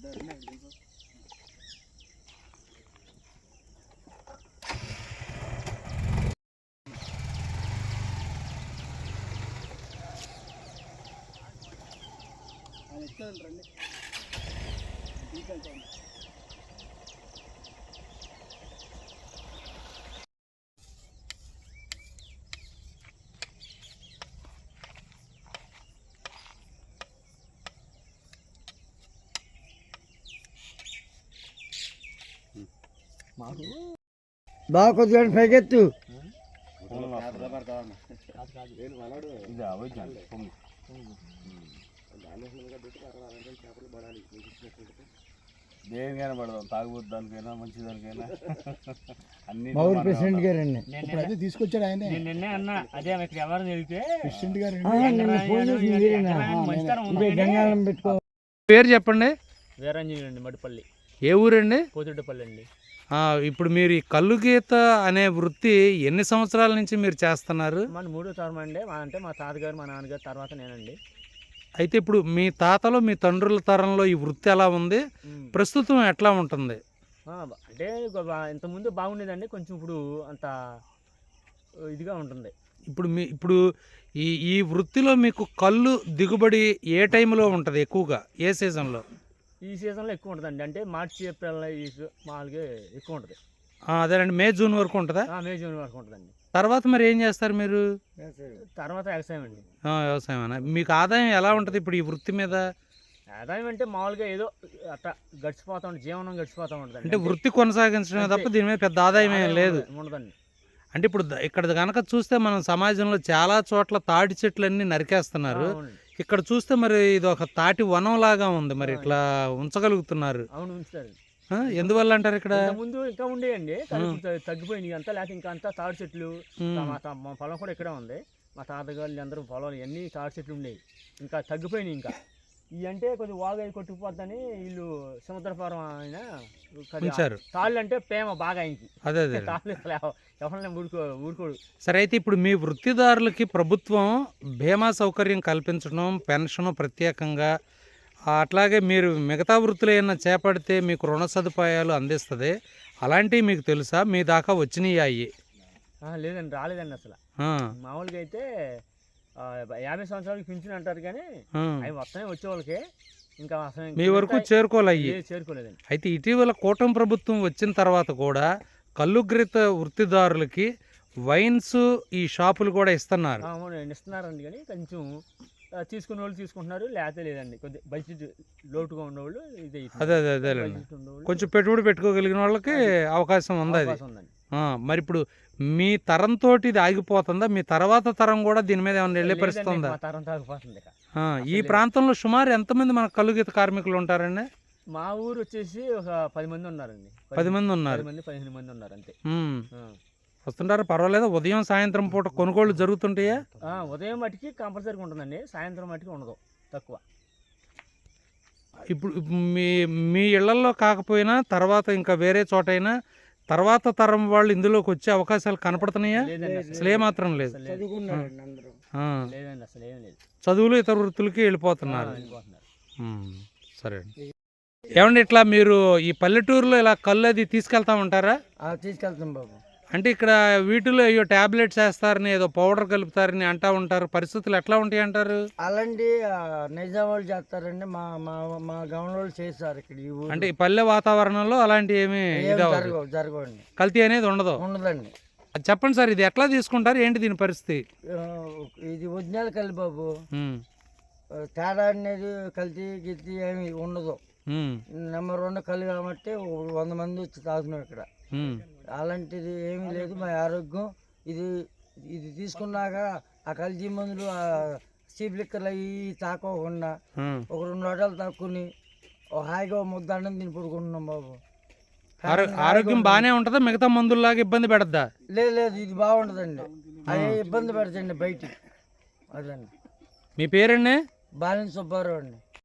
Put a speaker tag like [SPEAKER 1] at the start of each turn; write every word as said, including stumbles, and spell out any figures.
[SPEAKER 1] బాగా కొద్దిగా పైకెత్తు.
[SPEAKER 2] దేనికైనా పడదాం, తాగుబోతు దానికైనా మంచి దానికైనా అన్ని
[SPEAKER 1] ప్రెసిడెంట్ గారండి
[SPEAKER 3] తీసుకొచ్చాడు ఆయన.
[SPEAKER 4] నిన్నే అన్న అదే ఇక్కడ ఎవరు తెలితే
[SPEAKER 3] ప్రెసిడెంట్ గారు
[SPEAKER 1] గంగాళం పెట్టుకో.
[SPEAKER 5] పేరు చెప్పండి.
[SPEAKER 4] వీరాంజనేయులు అండి, మడిపల్లి.
[SPEAKER 5] ఏ ఊరండి?
[SPEAKER 4] పోతిరెడ్డిపల్లి అండి.
[SPEAKER 5] ఇప్పుడు మీరు ఈ కల్లు గీత అనే వృత్తి ఎన్ని సంవత్సరాల నుంచి మీరు చేస్తున్నారు?
[SPEAKER 4] మన మూడో తరం అండి. మా అంటే మా తాతగారు మా నాన్నగారు తర్వాత నేనండి.
[SPEAKER 5] అయితే ఇప్పుడు మీ తాతలో మీ తండ్రుల తరంలో ఈ వృత్తి ఎలా ఉంది, ప్రస్తుతం ఎట్లా ఉంటుంది?
[SPEAKER 4] అంటే ఇంతకుముందు బాగుండేదండి, కొంచెం ఇప్పుడు అంత ఇదిగా ఉంటుంది.
[SPEAKER 5] ఇప్పుడు మీ ఇప్పుడు ఈ ఈ వృత్తిలో మీకు కళ్ళు దిగుబడి ఏ టైంలో ఉంటుంది ఎక్కువగా, ఏ సీజన్లో?
[SPEAKER 4] ఈ సీజన్లో ఎక్కువ ఉంటుందండి. అంటే మార్చి ఏప్రిల్ మామూలుగా ఎక్కువ ఉంటుంది.
[SPEAKER 5] అదేనండి, మే జూన్ వరకు ఉంటుందా?
[SPEAKER 4] మే జూన్ వరకు ఉంటుందండి.
[SPEAKER 5] తర్వాత మరి ఏం చేస్తారు మీరు?
[SPEAKER 4] తర్వాత వ్యవసాయం అండి.
[SPEAKER 5] వ్యవసాయం. మీకు ఆదాయం ఎలా ఉంటుంది ఇప్పుడు ఈ వృత్తి మీద?
[SPEAKER 4] ఆదాయం అంటే మామూలుగా ఏదో అట్లా గడిచిపోతా ఉంటుంది, జీవనం గడిచిపోతూ ఉంటుంది.
[SPEAKER 5] అంటే వృత్తి కొనసాగించడమే తప్ప దీని మీద పెద్ద ఆదాయం ఏం లేదు.
[SPEAKER 4] ఉండదండి.
[SPEAKER 5] అంటే ఇప్పుడు ఇక్కడ కనుక చూస్తే మనం సమాజంలో చాలా చోట్ల తాటి చెట్లన్నీ నరికేస్తున్నారు. ఇక్కడ చూస్తే మరి ఇది ఒక తాటి వనం లాగా ఉంది, మరి ఇట్లా ఉంచగలుగుతున్నారు?
[SPEAKER 4] అవును, ఉంచుతారు.
[SPEAKER 5] ఎందువల్ల అంటారు? ఇక్కడ
[SPEAKER 4] ముందు ఇంకా ఉండేయండి, తగ్గిపోయినాయి అంతా. లేకపోతే ఇంకా అంతా తాడి చెట్లు. మా పొలం కూడా ఇక్కడే ఉంది. మా తాతగారు అందరూ పొలాలు ఇవన్నీ తాడి చెట్లు ఉండేవి, ఇంకా తగ్గిపోయినాయి. ఇంకా ఇవి అంటే కొద్దిగా వాగా కొట్టుకుపోద్దని వీళ్ళు సముద్రపురం ఆయన తాళ్ళు అంటే ప్రేమ బాగా ఆయనకి.
[SPEAKER 5] అదే అదే
[SPEAKER 4] తాళ్ళు ఎవరైనా ఊరుకో ఊరుకోడు.
[SPEAKER 5] సరే, అయితే ఇప్పుడు మీ వృత్తిదారులకి ప్రభుత్వం బీమా సౌకర్యం కల్పించడం, పెన్షన్ ప్రత్యేకంగా, అట్లాగే మీరు మిగతా వృత్తులు ఏమైనా చేపడితే మీకు రుణ సదుపాయాలు అందిస్తుంది, అలాంటివి మీకు తెలుసా? మీ దాకా వచ్చినాయి అయ్యి?
[SPEAKER 4] లేదండి, రాలేదండి అసలు. మామూలుగా అయితే యాభై సంవత్సరాలకి పింఛన్ అంటారు, కానీ అవి వస్తాయి వచ్చే వాళ్ళకి. ఇంకా
[SPEAKER 5] మీ వరకు చేరుకోవాలి
[SPEAKER 4] చేరుకోలేదండి.
[SPEAKER 5] అయితే ఇటీవల కూటమి ప్రభుత్వం వచ్చిన తర్వాత కూడా కల్లుగ్రీత వృత్తిదారులకి వైన్స్ ఈ షాపులు కూడా ఇస్తున్నారు.
[SPEAKER 4] ఇస్తున్నారండి, కానీ కొంచెం తీసుకునే వాళ్ళు తీసుకుంటున్నారు, లేకపోతే లేదండి. కొద్దిగా బడ్జెట్ లోటుగా ఉన్నవాళ్ళు ఇది.
[SPEAKER 5] అదే అదే అదేలేండి, కొంచెం పెట్టుబడి పెట్టుకోగలిగిన వాళ్ళకి అవకాశం ఉంది అది. మరి ఇప్పుడు మీ తరంతో ఇది ఆగిపోతుందా? మీ తర్వాత తరం కూడా దీని మీద ఏమైనా వెళ్ళే పరిస్థితి ఉందా? ఈ ప్రాంతంలో సుమారు ఎంతమంది మన కల్లుగీత కార్మికులు ఉంటారండి?
[SPEAKER 4] మా ఊరు వచ్చేసి ఒక పది మంది ఉన్నారండి.
[SPEAKER 5] పది మంది ఉన్నారు,
[SPEAKER 4] పదిహేను మంది ఉన్నారు అంతే.
[SPEAKER 5] వస్తుంటారా? పర్వాలేదా? ఉదయం సాయంత్రం పూట కొనుగోళ్లు జరుగుతుంటాయా?
[SPEAKER 4] ఉదయం మటుకి కంపల్సరీగా ఉంటుందండి, సాయంత్రం మటుకి ఉండదు, తక్కువ.
[SPEAKER 5] ఇప్పుడు మీ మీ ఇళ్లలో కాకపోయినా తర్వాత ఇంకా వేరే చోటైనా తర్వాత తరం వాళ్ళు ఇందులోకి వచ్చే అవకాశాలు కనపడుతున్నాయా? అసలు ఏమాత్రం లేదు. చదువులు ఇతర వృత్తులకి వెళ్ళిపోతున్నారు. సరే అండి. ఏమండి, ఇట్లా మీరు ఈ పల్లెటూరులో ఇలా కళ్ళు అది తీసుకెళ్తా ఉంటారా?
[SPEAKER 1] తీసుకెళ్తాం బాబు.
[SPEAKER 5] అంటే ఇక్కడ వీటిలో అయ్యో టాబ్లెట్స్ వేస్తారని, ఏదో పౌడర్ కలుపుతారని అంటా ఉంటారు. పరిస్థితులు ఎట్లా ఉంటాయి అంటారు?
[SPEAKER 1] అలాంటి నిజాం వాళ్ళు చేస్తారండి, మా మా మా గవర్నర్ వాళ్ళు చేస్తారు ఇక్కడ.
[SPEAKER 5] అంటే ఈ పల్లె వాతావరణంలో అలాంటి ఏమి
[SPEAKER 1] జరగవండి,
[SPEAKER 5] కల్తీ అనేది ఉండదు.
[SPEAKER 1] ఉండదండి.
[SPEAKER 5] చెప్పండి సార్, ఇది ఎట్లా తీసుకుంటారు, ఏంటి దీని పరిస్థితి?
[SPEAKER 1] ఇది ఒరిజినల్ కల్లి బాబు, తేడా అనేది కల్తీ గిల్తీ ఏమి ఉండదు. నెంబర్ రెండు కళ్ళు కాబట్టి వంద మంది వచ్చి తాగుతున్నాం ఇక్కడ. అలాంటిది ఏమీ లేదు. మా ఆరోగ్యం ఇది ఇది తీసుకున్నాక ఆ కల్తీ మందులు చీప్ లిక్కర్లు అవి తాకోకుండా ఒక రెండు హోటలు తాక్కుని హాయిగా ముద్ద అన్నం తిని పడుకుంటున్నాం బాబు.
[SPEAKER 5] ఆరోగ్యం బాగానే ఉంటుందా? మిగతా మందుల్లాగా ఇబ్బంది పెడద్దా?
[SPEAKER 1] లేదు లేదు, ఇది బాగుంటుందండి. అదే ఇబ్బంది పెడతండి బయటికి. అదండి.
[SPEAKER 5] మీ పేరండి?
[SPEAKER 1] బాలిన సుబ్బారావు అండి.